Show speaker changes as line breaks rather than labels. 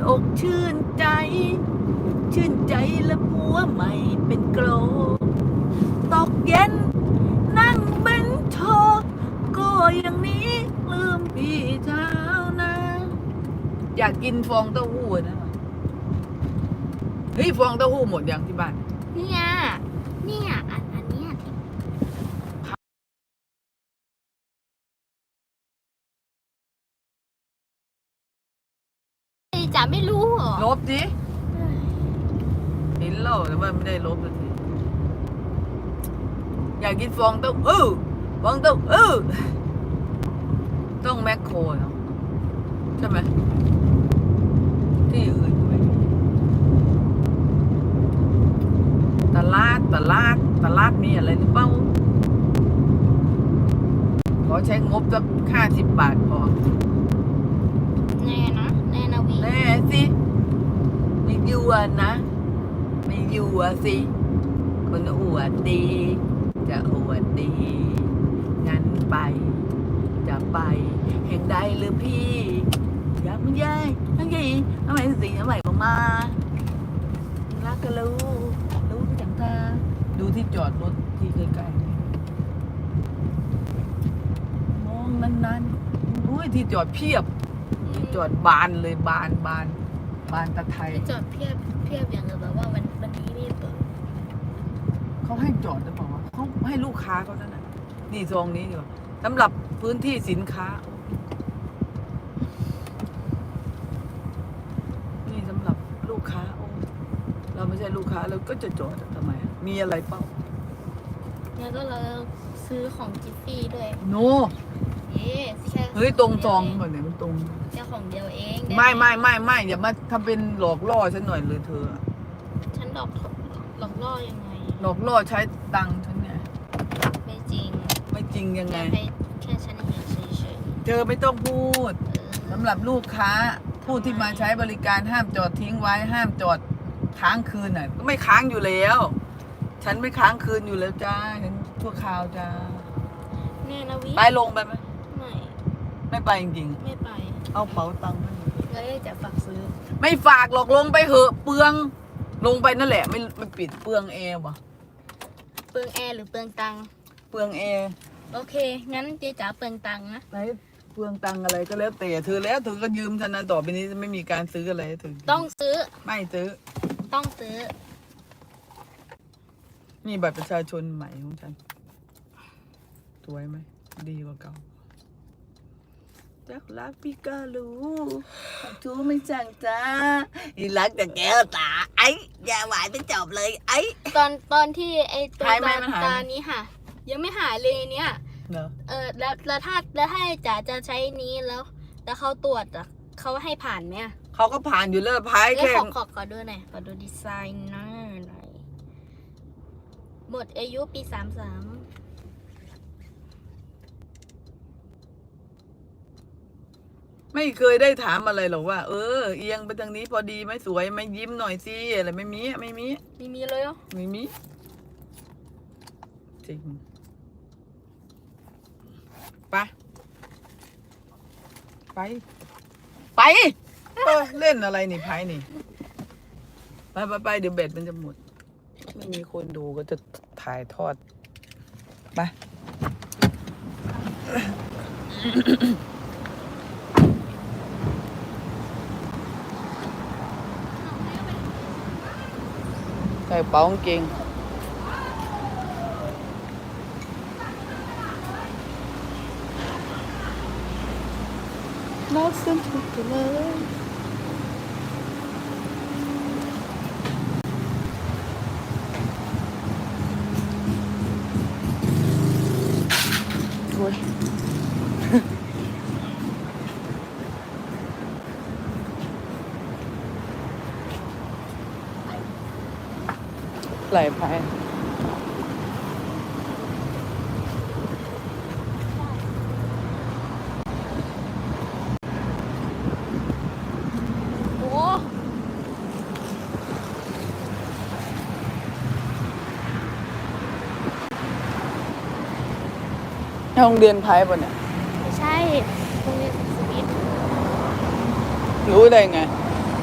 อกชื่นใจ ชื่นใจและผัวใหม่เป็นโกลตกเย็นนั่งเบนโชก็อย่างนี้ลืมพี่เช้านะอยากกินฟองเต้าหู้นะเฮ้ยฟองเต้าหู้หมดยังที่บ้าน
เนี่ยอันเนี้ยจ๋าไม่รู้เหรอ
ลบดิเห็นแล้วแต่ว่าไม่ได้ลบสักทีอยากกินฟองเต้าหู้ฟองเต้าหู้ต้องแมคโครเนาะใช่ไหมที่อื่นไหมตลาดมีอะไรหรือเปล่าขอใช้งบสัก50 บาทพอ
แน่นะวิ
แน่สิไม่ยั่วนะไม่ยั่วสิคนอวดดีจะอวดดีงั้นไปจะไปแห่งใดหรือพี่อยากมันย้ายทั้งยี่ทำไมสิทำไมมารักก็รู้ก็จังตาดูที่จอดรถที่ใกล้ๆมองนั้นอุ้ยที่จอดเพียบที่จอดบานเลยบานตะไทย
จอดเพียบอย่างแบบว่าวันนี้ไม่เปิด
เขาให้จอดหรือเปล่าวะเขาให้ลูกค้าเขานั่นน่ะนี่ซองนี้ดีกว่าสำหรับพื้นที่สินค้านี่สำหรับลูกค้าเราไม่ใช่ลูกค้าเราก็จะจอดทำไมมีอะไรเปล่า
แล้วก็เราซื้อของจิฟฟี่ด้วย
โนเฮ้ยตรงซองก่อนเนี่ยมันตรง
แค่ของเดียวเอง
ไม่อย่ามาทำเป็นหลอกล่อฉันหน่อยเลยเธอ
ฉันหลอกล่อยังไง
หลอกล่อใช้ตังค์ฉันไง
ไม่จริง
ยังไง
แค่ฉันเห็นเฉย
เธอไม่ต้องพูดสำหรับลูกค้าผู้ที่มาใช้บริการห้ามจอดทิ้งไว้ห้ามจอดค้างคืนน่ะก็ไม่ค้างอยู่แล้วฉันไม่ค้างคืนอยู่แล้วจ้าฉันชั่วคราวจ้า
เนี่ยนะวิ
ไปลงไปไหมไม่ไปจริง
ๆไม่ไป
เอาเป๋าตังค์
แล้วจะฝากซื้อ
ไม่ฝากหรอกลงไปเหอะเปลืองลงไปนั่นแหละไม่ปิดเปลืองแอร์ป่ะ
เปลืองแอร์หรือเปลืองตังค์
เปลืองแอร์
โอเคงั้นเจ๊จ๋าเปลืองตังค์นะ
ไหนเปลืองตังค์อะไรก็แล้วแต่เธอก็ยืมฉันนะต่อไปนี้ไม่มีการซื้ออะไรเธอ
ต้องซื้อ
ไม่ซื้อ
ต้องซื้อ
นี่บัตรประชาชนใหม่ของฉันสวยไหมดีกว่าเก่าจักรักพี่ก็รู้ทูไม่จังจ้าอีรักแต่แก้วตาไอ้อย่าหวายไปจบเลยไอ้
ตอนที่ไอ้ตัวตานี้ค่ะยังไม่หายเลยเนี่ยแล้วถ้าจ๋าจะใช้นี้แล้วเขาตรวจอ่ะเขาให้ผ่านไหม
เขาก็ผ่านอยู่แล้วพายแค่
ขอดูหน่อยขอดูดีไซน์หน่อยหมดอายุปี33
ไม่เคยได้ถามอะไรหรอกว่าเอียงไปทางนี้พอดีไหมสวยไหมยิ้มหน่อยสิอะไรไม่มี
เลยเหรอ
ไม่มีจริงไปเล่นอะไรนี่ไพ่นี่ไปเดี๋ยวเบ็ดมันจะหมดไม่มีคนดูก็จะถ่ายทอดไปใส่เป๋ากางเกงรักฉันทุกข์เลยโอ้ยไหลไปโรงเรียนไพ่ป่ะเนี่ย
ไม่ใช่โรงเรียนสวิต
รู้ได้ไง